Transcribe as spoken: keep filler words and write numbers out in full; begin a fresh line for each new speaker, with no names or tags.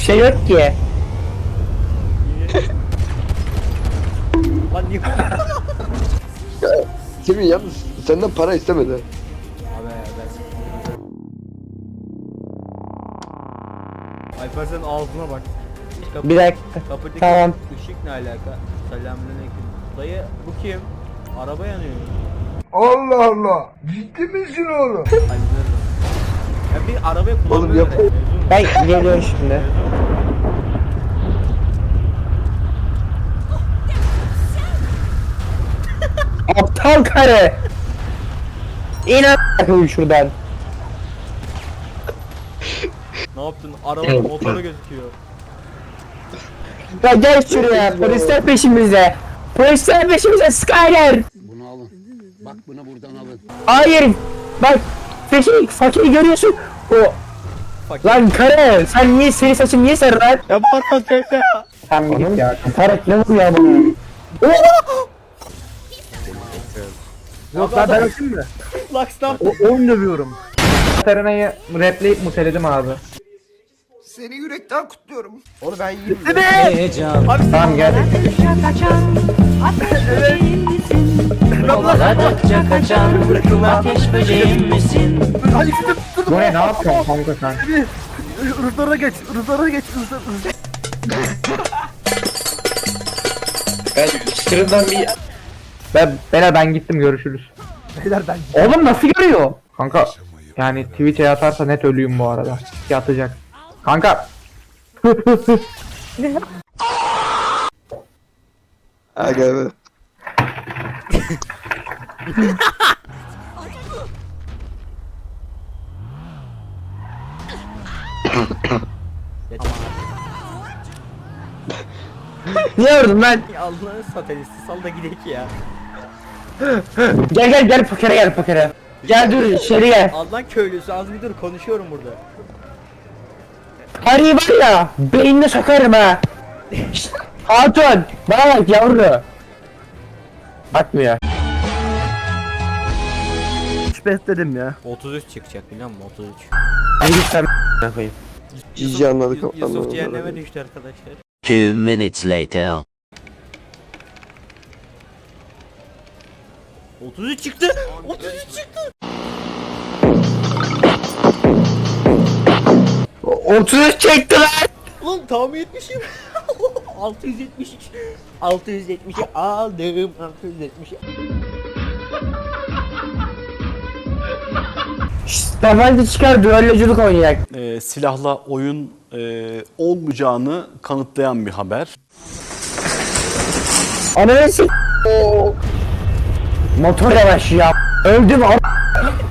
şey yok ki.
Lan niye?
Semih yalnız senden para istemedi.
Abi ben... Alper senin ağzına bak. Kapı,
Bir dakika.
kapıdaki
Tamam.
ışık ne alaka? Selamünaleyküm. Dayı bu kim? Araba yanıyor.
Allah Allah. Ciddi misin oğlum?
Hallederim. Ya bir arabaya
Oğlum
kullanmıyor.
yap.
Ben geliyorum şimdi. Aptal karı. İn a**ım şuradan.
Ne yaptın? Arabanın motoru gözüküyor.
Ya gel şuraya. Polisler peşimizde. Polisler peşimizde. Skyler.
Bunu alın. Bak bunu buradan alın.
Hayır. Bak. Fakir, fakiri görüyorsun. O.
Fakir.
Lan karı. Sen niye, senin saçın niye sarı lan? Ya pardon teyze. Sen bir git ya. Tarık ne vuruyor bana?
Yok lan ben öpeyim mi?
Lux stop.
O onu dövüyorum. Serena'yı rapleyip muteledim abi.
Seni yürekten kutluyorum.
Onu ben yiyeyim.
Tamam gel.
Kaçan ateş böceğim misin? Kovaladıkça kaçan ateş böceğim misin?
Hadi gidip dur.
Bu ne, ne yapıyorsun kanka sen?
Rızlara geç. Rızlara geç. Rızlara.
Ben şuradan bir... Ben, Bela ben gittim, görüşürüz.
Beyler ben.
Oğlum nasıl görüyor? Kanka yani Twitch'e yatarsa net ölüyüm bu arada. Yatacak. Kanka.
Aga be.
Niye vurdun lan?
Allah'ını satanisti sal da gidelim ya.
Gel gel gel pokere gel pokere. Gel dur içeri gel.
Allah'ın köylüsü az bir dur konuşuyorum burada.
Harbi var ya beynine sokarım ha. Şşt, Hatun bana bak yavru. Bakmıyor.
Hiç besledim ya.
otuz üç çıkacak biliyor musun? otuz üç.
Hadi git sen koyayım.
İyice anladık.
Yusuf, Yusuf
anladık.
cehenneme düştü arkadaşlar.
Two minutes later.
otuz üç çıktı. otuz üç çıktı.
otuz üç çekti lan.
Ulan tahmin etmişim. altı yüz yetmiş üç. altı yüz yetmişi aldım. altı yüz yetmişi.
Şşt tabanca çıkar düelloculuk oynayacak.
e, silahla oyun e, olmayacağını kanıtlayan bir haber.
Ananı s***. Motor yavaş ya. Öldüm a**.